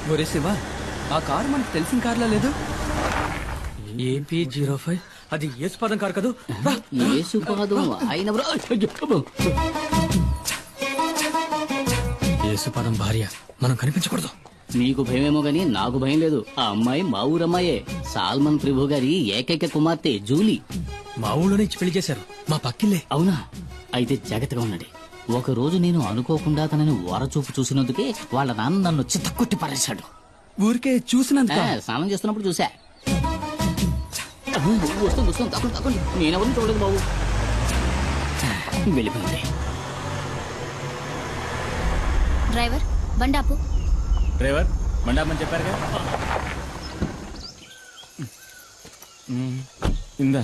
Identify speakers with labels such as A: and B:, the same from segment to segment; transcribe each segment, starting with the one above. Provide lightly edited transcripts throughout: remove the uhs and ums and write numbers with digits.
A: ఒరే శివ, ఆ కారు మనకు తెలిసిన కార్లా లేదు.
B: AP05 అది యేసుపాదం కారు కదూ.
C: యేసుపాదం ఆయన
B: యేసుపాదం భార్య, మనం కనిపించకూడదు.
C: నీకు భయమేమో గాని నాకు భయం లేదు. ఆ అమ్మాయి మా ఊరమ్మాయే, సాల్మన్ ప్రభు గారి ఏకైక కుమార్తె జూలీ.
B: మా ఊళ్ళోనే ఇచ్చి పెళ్లి చేశారు, మా పక్కిల్లే.
C: అవునా? అయితే జాగ్రత్తగా ఉండండి. ఒక రోజు నేను అనుకోకుండా తనని వరచూపు చూసినందుకే వాళ్ళ నాన్న నన్ను చిత్తకొట్టి పారేశాడు.
A: ఊరికే చూసినంత.
C: స్నానం చేస్తున్నప్పుడు చూసా. వస్తుంది వస్తుంది, తక్కువ తక్కువ. నేనెవరిని చూడలేదు బాబు. వెళ్ళిపోయింది.
D: డ్రైవర్ బండాపు.
E: డ్రైవర్ మండాపని చెప్పారుగా. ఇందా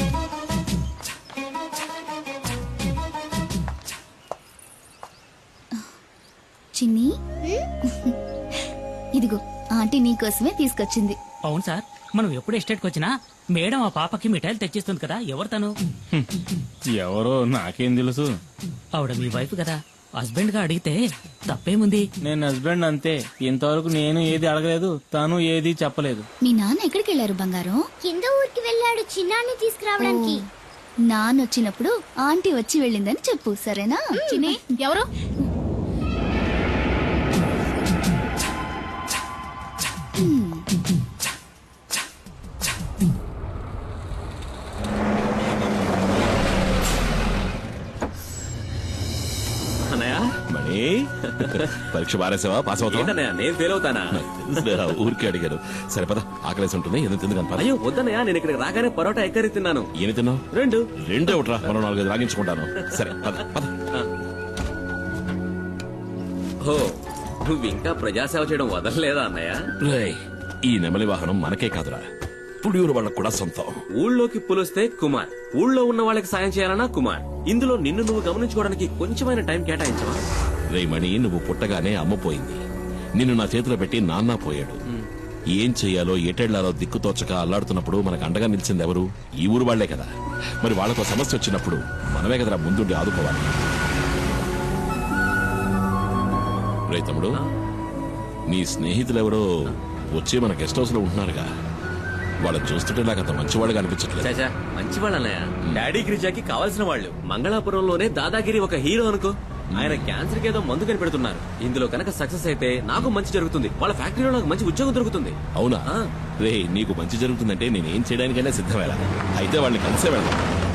D: చిన్ని, ఇదిగో ఆంటీ నీకోసమే తీసుకొచ్చింది.
F: అవును సార్, మనం ఎప్పుడు ఎస్టేట్కి వచ్చినా మేడం ఆ పాపకి మిఠాయిలు తెచ్చిస్తుంది కదా. ఎవరు తను?
E: ఎవరో నాకేం తెలుసు.
F: ఆవిడ మీ వైఫ్ కదా. హస్బెండ్ గా అడిగితే తప్పేముంది?
E: నేను హస్బెండ్ అంతే. ఇంతవరకు నేను ఏది అడగలేదు, తను ఏది చెప్పలేదు.
D: మీ నాన్న ఎక్కడికి వెళ్ళారు బంగారం?
G: కింద ఊరికి వెళ్ళాడు చిన్నాన్ని తీసుకురావడానికి.
D: నాన్న వచ్చినప్పుడు ఆంటీ వచ్చి వెళ్ళిందని చెప్పు, సరేనా? చిన్ని, ఎవరు?
H: మణి, పరీక్ష బారేసావా? పాస్ అవుతా?
I: నేను ఫెయిల్ అవుతానా?
H: ఊరికి అడిగారు. సరే పద, ఆకలేసి ఉంటుంది, ఎందుకు తిందుకని.
I: అయ్యో వద్దనయ్యా, నేను ఇక్కడికి రాగానే పరోటా ఎక్కరి తిన్నాను.
H: ఏమి తిన్నావు? రెండు ఒకట్రా, మరో 4 రాగించుకుంటాను. సరే పద పద.
I: ఓ, నువ్వు ఇంకా ప్రజాసేవ చేయడం వదలలేదా అన్నయ్య?
H: రేయ్, ఈ నెమలి వాహనం మనకే కాదురా, పుడియూరు వాళ్ళకు కూడా సొంతం.
I: ఊళ్ళోకి పులిస్తే కుమార్, ఊళ్ళో ఉన్న వాళ్ళకి సాయం చేయాలన్నా కుమార్. ఇందులో నిన్ను నువ్వు గమనించుకోవడానికి కొంచెమైన టైం కేటాయించవా?
H: రే మణి, నువ్వు పుట్టగానే అమ్మ పోయింది. నిన్ను నా చేతిలో పెట్టి నాన్న పోయాడు. ఏం చెయ్యాలో ఎటెళ్లాలో దిక్కుతోచక అల్లాడుతున్నప్పుడు మనకు అండగా నిలిచింది ఎవరు? ఈ ఊరు వాళ్లే కదా. మరి వాళ్ళకు సమస్య వచ్చినప్పుడు మనమే కదరా ముందుండి ఆదుకోవాలి. రే తమ్ముడు, నీ స్నేహితులెవరో వచ్చి మన గెస్ట్ హౌస్ లో ఉంటున్నారుగా. వాళ్ళని చూస్తుంటే నాకు అంత మంచివాళ్ళుగా అనిపించట్లేదు.
I: మంచివాళ్ళు అన్నయ్య. డాడీ గిరిజాకి కావాల్సిన వాళ్ళు. మంగళాపురంలోనే దాదాగిరి ఒక హీరో అనుకో. ఆయన క్యాన్సర్ కి ఏదో మందు కనిపెడుతున్నారు. ఇందులో కనుక సక్సెస్ అయితే నాకు మంచి జరుగుతుంది, వాళ్ళ ఫ్యాక్టరీలో నాకు మంచి ఉద్యోగం దొరుకుతుంది.
H: అవునా? రే, నీకు మంచి జరుగుతుందంటే నేనేం చేయడానికైనా సిద్ధమేలా. అయితే వాళ్ళని కలిసే వెళ్దాం.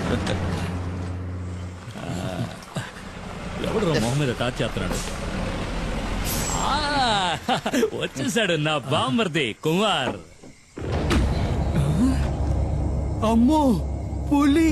F: ఎవడు మొహం మీద టార్చ్ చేస్తున్నాడు? వచ్చేసాడు నా బామ్మర్ది కుమార్.
A: అమ్మో, పులి!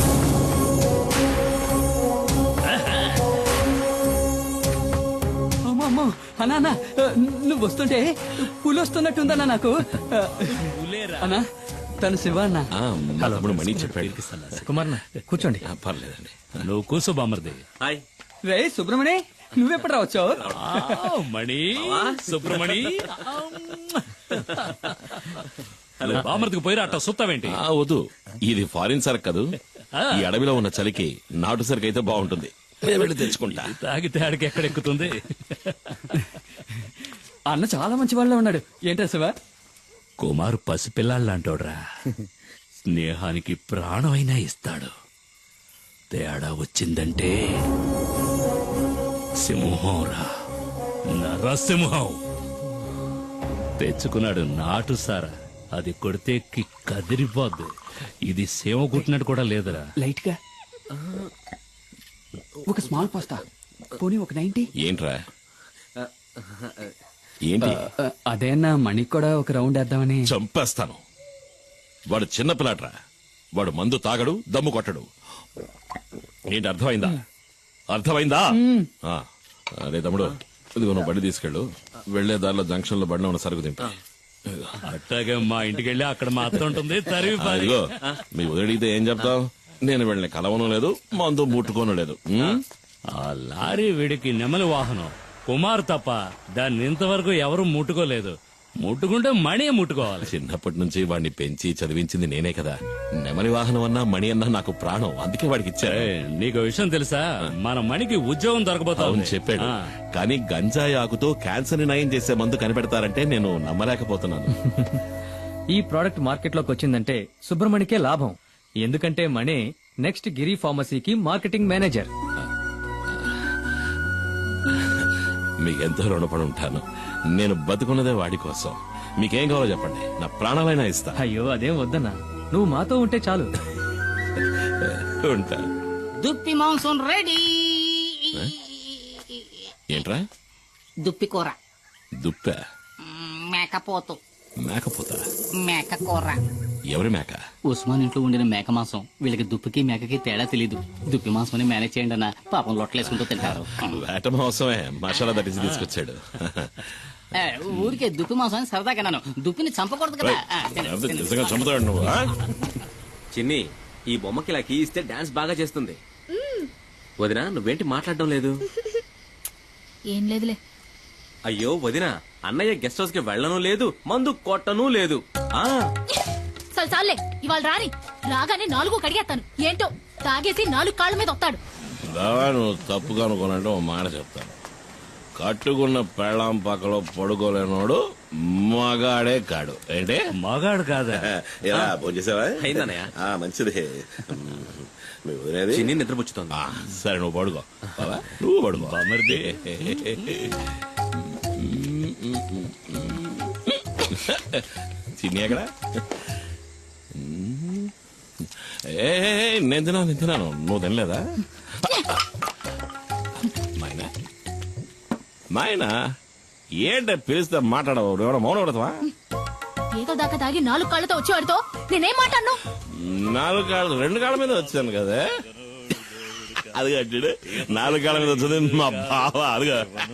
A: అమ్మో అన్నా, నువ్వు వస్తుంటే పులి వస్తున్నట్టుందన్నా నాకు. అన్నా, తను శివ అన్న.
H: తమ్ముడు మణి చెప్పాడు.
B: కుమార్ కూర్చోండి.
H: పర్లేదండి,
F: నువ్వు కూర్చో బామ్మర్ది.
I: హాయ్
A: రే సుబ్రమణి, నువ్వెప్పుడు రావచ్చావు?
F: మణి, సుబ్రమణి. బామ్మర్దికి పోయిరా, అట్ట సుత్తావేంటి?
H: వద్దు, ఇది ఫారిన్ సరుకు కదూ. ఈ అడవిలో ఉన్న చలికి నాటు సరుకు అయితే బాగుంటుంది. వెళ్ళి తెచ్చుకుంటా.
F: తాగితే ఆడికి ఎక్కడెక్కుతుంది?
A: అన్న చాలా మంచి వాళ్ళ ఉన్నాడు. ఏంటా శివ?
F: కుమార్ పసిపిల్లాళ్ళంటోడ్రా. స్నేహానికి ప్రాణమైనా ఇస్తాడు. తేడా వచ్చిందంటే సింహంరా, నరసింహం. తెచ్చుకున్నాడు నాటు సారా. అది కొడితే కదిరిపోద్దు. ఇది సేవ కుట్టినట్టు కూడా లేదురా.
A: లైట్ గా ఒక స్మాల్ పాస్తా, పోనీ ఒక 90.
H: ఏంట్రా? ఏంటి?
A: అదేనా, మణికి కూడా ఒక రౌండ్ వేద్దామని.
H: చంపేస్తాను. వాడు చిన్న పిల్లాడ్రా. వాడు మందు తాగడు, దమ్ము కొట్టడు. ఏంటి, అర్థమైందా? అర్థమైందా? అదే తమ్ముడు, ఇదిగో నువ్వు బండి తీసుకెళ్ళు. వెళ్లే దారిలో జంక్షన్ లో బండి ఉన్న సరుకు తింటా.
F: అట్టాగే మా ఇంటికి వెళ్ళి అక్కడ మా అత్త ఉంటుంది.
H: ఇదిగో, మీ వదిలితే ఏం చెప్తావు? నేను వెళ్ళిన కలవను లేదు, మందు ముట్టుకోను లేదు.
F: ఆ లారీ వీడికి నెమలి వాహనం. కుమార్ తప్ప దాన్ని ఇంతవరకు ఎవరు ముట్టుకోలేదు. ముట్టుకుంటే మణి ముట్టుకోవాలి.
H: చిన్నప్పటి నుంచి వాడిని పెంచి చదివించింది నేనే కదా. నెమలి వాహనం అన్నా మణి అన్నా నాకు ప్రాణం, అందుకే వాడికి ఇచ్చా.
F: ఏయ్, నీకు విషయం తెలుసా? మన మణికి ఉద్యోగం దొరకబోతా
H: అవును
F: ఉంది.
H: చెప్పాడు,
F: ఆ.
H: కానీ గంజాయి ఆకుతో క్యాన్సర్ ని నయం చేసే మందు కనిపెడతారంటే నేను నమ్మలేకపోతున్నాను.
B: ఈ ప్రోడక్ట్ మార్కెట్ లోకి వచ్చిందంటే సుబ్రమణికే లాభం. ఎందుకంటే మణి నెక్స్ట్ గిరి ఫార్మసీకి మార్కెటింగ్ మేనేజర్.
H: మీకెంతో రుణపడి ఉంటాను. నేను బతుకున్నదే వాడి కోసం. మీకేం కావాలో చెప్పండి, నా ప్రాణాలైనా ఇస్తా.
B: అయ్యో అదేం వద్దన్నా, నువ్వు మాతో ఉంటే చాలు.
H: ఉంటా.
C: దుప్పి మాంసం రెడీ.
H: ఏంట్రా?
C: దుప్పి కూర.
H: దుప్ప?
C: మేకపోతు.
H: మేకపోతా?
C: మేక కూర.
H: ఎవరి మేక?
C: ఉస్మాన్ ఇంట్లో ఉండిన మేక మాంసం. వీళ్ళకి దుప్పికి మేకకి తేడా తెలీదు. దుప్పి మాంసం మేనేజ్ చేయండి అన్న, పాపం లొట్టలేసుకుంటూ తింటారు.
H: వేట మోసమే మసాలా దట్టించి తీసుకొచ్చాడు.
C: ఏ, ఊరికే దుప్పి మాంసం అని సరదాగా నన్ను దుప్పిని చంపకూడదు కదా.
H: లేకపోతే నిజంగా చంపుతాడు నువ్వు. ఆ?
I: చిన్ని, ఈ బొమ్మకి ఇలా కీ ఇస్తే డాన్స్ బాగా చేస్తుంది. వదినా, నువ్వేంటి మాట్లాడడం లేదు?
D: ఏం లేదులే.
I: అయ్యో వదినా, అన్నయ్య గెస్ట్ హౌస్ కి వెళ్ళను లేదు, మందు కొట్టను లేదు. ఆ
J: చాలే, ఇవాళ రాని రాగానే 4 కడిగేస్తాను. ఏంటో తాగేసి 4 కాళ్ళ మీద వస్తాడు.
H: బావా, నువ్వు తప్పుగా అనుకోనంటే ఓ మాట చెప్తాను. కట్టుకున్న పెళ్ళాం పక్కలో పడుకోలేనోడు మగాడే కాడు. ఏంటి?
F: మగాడు కాదా?
H: ఇలా భోంచేసావా?
I: అయిందన్నయ్య.
H: మంచిది. మీ వదిలేది?
I: చిన్ని నిద్రపుచ్చుతోంది.
H: సరే, నువ్వు పడుకో. బావా, నువ్వు పడుకో.
F: బామర్ది.
H: చిన్ని ఎక్కడ? ఏ నేను తిన్నాను, నువ్వు తినలేదా? మైనా, మైనా, ఏంట పిలిస్తే మాట్లాడవు? ఎవడో మౌనం పడతావా?
J: ఏదో దాకా తాగి 4 కాళ్ళతో వచ్చేవాడితో నేనేం మాట్లాడను.
H: 4 కాళ్ళు 2 కాళ్ళ మీద వచ్చాను కదా. అది కట్టాడు 4 కాళ్ళ మీద వచ్చింది మా బావ. అదిగా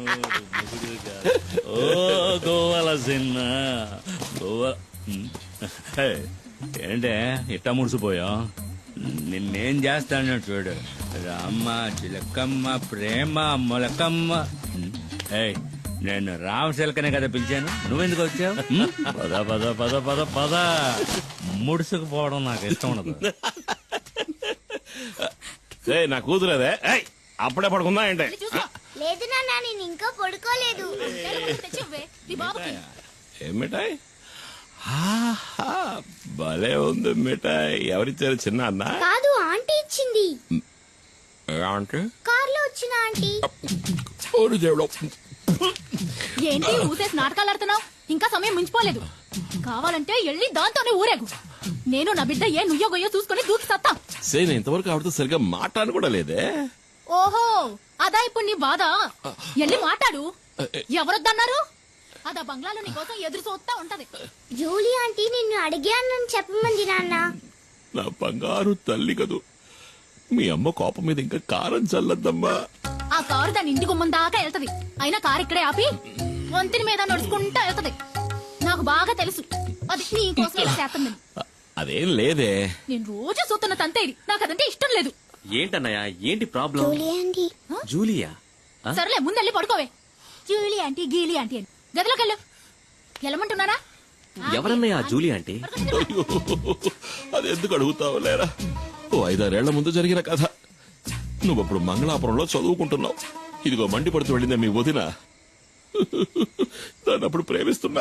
F: ఓ గోవాల సిన్న గోవా. ఏయ్, ఏంటే ఇట్టా ముడిసిపోయా? నిన్నేం చేస్తాను చూడు. రామ్మ చిలకమ్మ ప్రేమ మొలకమ్మ. ఏయ్, నేను రామశిలకనే కదా పిలిచాను, నువ్వెందుకు వచ్చావు? పద పద పద పద పద. ముడుసుకుపోవడం నాకు ఇష్టం ఉండదు.
H: నా కూతురేదే. అప్పుడే పడుకుందా ఏంటే?
G: లేదు నాన్న, నేను ఇంకా పడుకోలేదు.
J: తెచ్చివ్వే, నీ బాబుకి.
H: ఏం మిఠాయి? ఆహా, భలే ఉంది మిఠాయి. ఎవరిచ్చారు? చిన్న అన్న?
G: కాదు, ఆంటీ ఇచ్చింది.
H: అంటే
G: కార్లో వచ్చిన ఆంటీ.
J: ఏంటి ఊసేసి నాటకాలు ఆడుతున్నావు? ఇంకా సమయం మించిపోలేదు. కావాలంటే వెళ్ళి దాంతోనే ఊరేగు. నేను నా బిడ్డ ఏ నుయ్యో గొయ్యో చూసుకుని దూకి సత్తా.
H: నేను ఇంతవరకు ఆవిడతో సరిగ్గా మాట్లాడను కూడా లేదే.
J: ఓహో, అదా ఇప్పుడు నీ బాధ? వెళ్ళి మాట్లాడు. ఎవరొద్దన్నారు? అదా బంగ్లాలో నీ కోసం ఎదురు చూస్తా ఉంటది.
G: జూలీ ఆంటీ నిన్ను అడిగానని చెప్పమంది నాన్న.
H: నా బంగారు తల్లి కదూ. మీ అమ్మ కోపం మీద ఇంకా కారం చల్లద్దమ్మా.
J: ఆ కారు దాని ఇంటి గుమ్మం దాకా వెళ్తది. అయినా కారు ఇక్కడే ఆపి వంతిని మీద నడుచుకుంటా వెళ్తది. నాకు బాగా తెలుసు అది నీ కోసం ఇలా చేస్తుందని.
H: అదేం లేదే.
J: నేను రోజు చూస్తున్న తంతే ఇది. నాకు అదంటే ఇష్టం లేదు.
I: ఏంటన్నయ్య, ఏంటి ప్రాబ్లం?
G: Julie aunty.
I: జూలియా?
J: సరేలే, ముందెళ్ళి పడుకోవే. జూలీ ఆంటీ గీలీ ఆంటీ అని గదిలోకి వెళ్ళు. వెళ్ళమంటున్నారా?
I: ఎవరన్నయ్య జూలి ఆంటీ?
H: అయ్యో, అది ఎందుకు అడుగుతావు లేరా? ఓ 5-6 ఏళ్ల ముందు జరిగిన కథ. నువ్వప్పుడు మంగళాపురంలో చదువుకుంటున్నావు. ఇదిగో మండి పడుతూ వెళ్ళిందే మీ వదిన. దాన్ని అప్పుడు ప్రేమిస్తున్నా.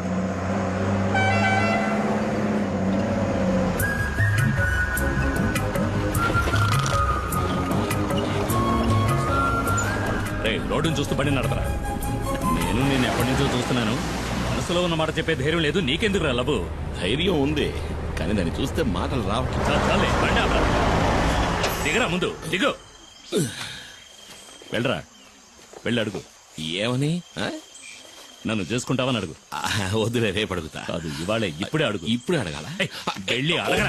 F: రోడ్డును చూస్తూ బండి నడపరా. నేను ఎప్పటి నుంచో చూస్తున్నాను. మనసులో ఉన్న మాట చెప్పే ధైర్యం లేదు. నీకెందుకు రా లబు?
H: ధైర్యం ఉంది, కానీ దాన్ని చూస్తే మాటలు రావట్లేదు.
F: చాలే, బండి ఆపరా. దిగరా, ముందు దిగు. వెళ్ళరా, వెళ్ళి అడుగు.
H: ఏమని?
F: నన్ను చేసుకుంటావని అడుగు.
H: వద్దులే, రేపు అడుగుతా.
F: కాదు, ఇవాళే, ఇప్పుడే అడుగు.
H: ఇప్పుడే అడగాల?
F: వెళ్ళి అడగరా.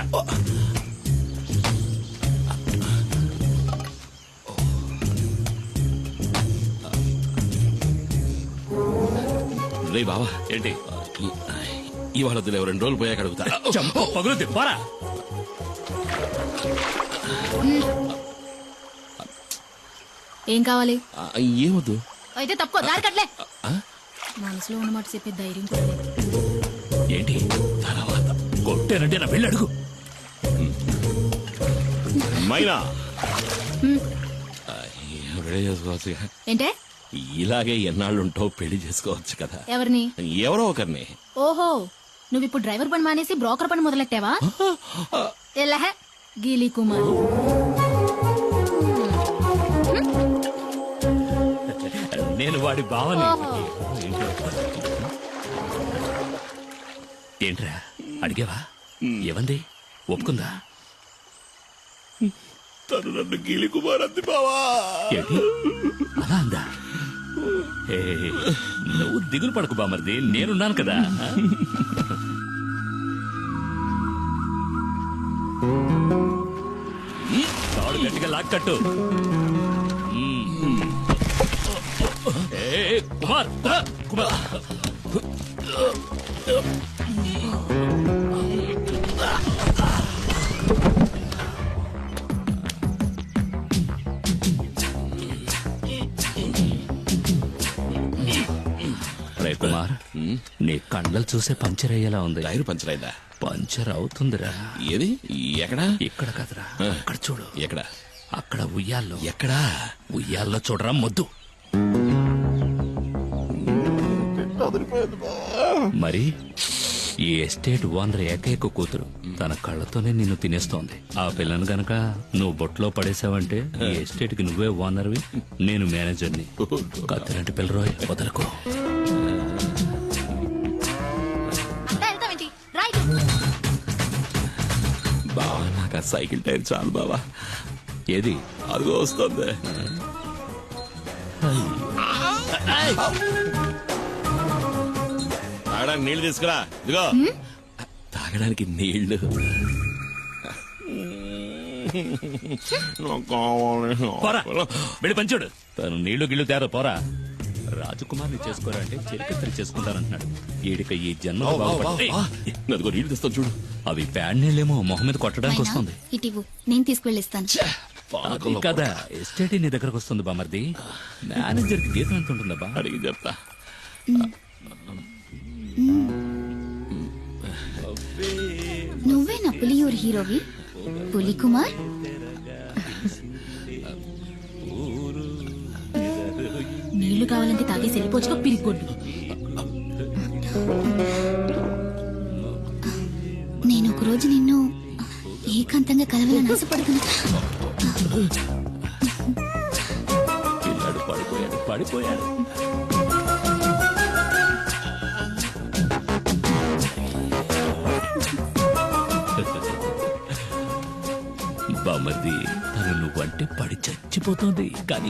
H: రే బావా,
F: ఏంటి?
H: ఇవాళ వద్దులే, 2 రోజులు పోయాక అడుగుతా.
F: పగులుద్ది, పోరా.
J: ఏం కావాలి?
H: ఏమొద్దు.
J: అయితే తప్పుకో, దారి కట్లే. మనసులో ఉన్నమాట చెప్పే ధైర్యం కూడా లేదు.
F: ఏంటి తర్వాత కొట్టానంటే నా పెళ్ళి అడుగు.
H: మైనా రెడీ చేసుకోవచ్చు.
J: ఏంటే
H: ఇలాగే ఎన్నాళ్ళు ఉంటావు, పెళ్లి చేసుకోవచ్చు కదా.
J: ఎవరిని?
H: ఎవరో ఒకరిని.
J: ఓహో, నువ్వు ఇప్పుడు డ్రైవర్ పని మానేసి బ్రోకర్ పని మొదలెట్టావా? ఎల్లహ గీలీ కుమార్.
F: నేను వాడి భావని.
J: ఓహో.
F: ఏంట్రా అడిగావా? ఏమంది? ఒప్పుకుందా?
H: తను నన్ను గీలి కుమార్ అంది బావా.
F: ఏంటి అలా అందా? ఏ, నువ్వు దిగులు పడకు బామర్ది, నేనున్నాను కదా. తాడు గట్టిగా లాక్కట్టు. ఏ, కుమార్ కుమార్. రే కుమార్, నీ కండలు చూసే పంచర్ అయ్యేలా ఉంది.
H: టైర్ పంచర్ అయిందా?
F: పంచర్ అవుతుందిరా.
H: ఏది? ఎక్కడా?
F: ఇక్కడ కదరా, అక్కడ చూడు.
H: ఎక్కడ?
F: అక్కడ ఉయ్యాల్లో.
H: ఎక్కడా?
F: ఉయ్యాల్లో చూడరా మొద్దు. మరి ఈ ఎస్టేట్ ఓనర్ ఏకైక కూతురు తన కళ్ళతోనే నిన్ను తినేస్తోంది. ఆ పిల్లను గనక నువ్వు బొట్లో పడేసావంటే ఈ ఎస్టేట్ కి నువ్వే ఓనర్వి, నేను మేనేజర్ని. కత్తిలాంటి పిల్లరోయ్, వదలకు.
J: అంతా వెళ్తావేంటి? రైట్.
H: బావా నాకు ఆ సైకిల్ టైర్ చాలు బావా.
F: ఏది?
H: అదిగో వస్తుంది. తాగడానికి నీళ్లు తీసుకురా. ఇదిగో తాగడానికి నీళ్లు.
F: పోరా, వెళ్ళి పంచుడు. తను నీళ్లు గిళ్ళు తేరా, పోరా. రాజకుమార్ని చేసుకోరా అంటే చెరికత్తరి చేసుకుంటానంటున్నాడు. ఈడిక ఈ జన్మ
H: అదిగో నీళ్లు తెస్తాను చూడు.
F: అవి ప్యాడ్ నీళ్ళేమో మొహం మీద కొట్టడానికి వస్తుంది.
D: ఇటివు నేను తీసుకువెళ్ళిస్తాను.
F: అది కదా ఎస్టేట్ నీ దగ్గరకు వస్తుంది బామర్ది. మేనేజర్ కి జీతం ఎంత ఉంటుందా?
H: అడిగి చెప్తా.
D: నువ్వే నా పులియూరు హీరోవి పులి కుమార్.
J: నీళ్లు కావాలంటే తాగేసి వెళ్ళిపోవచ్చుగా పిరిగొడ్డు.
D: నేను ఒక రోజు నిన్ను ఏకాంతంగా కలవాలని ఆశపడుతున్నా.
F: పిల్లాడు పడిపోయాడు. బామర్ది, తను నువ్వంటే పడి చచ్చిపోతుంది కానీ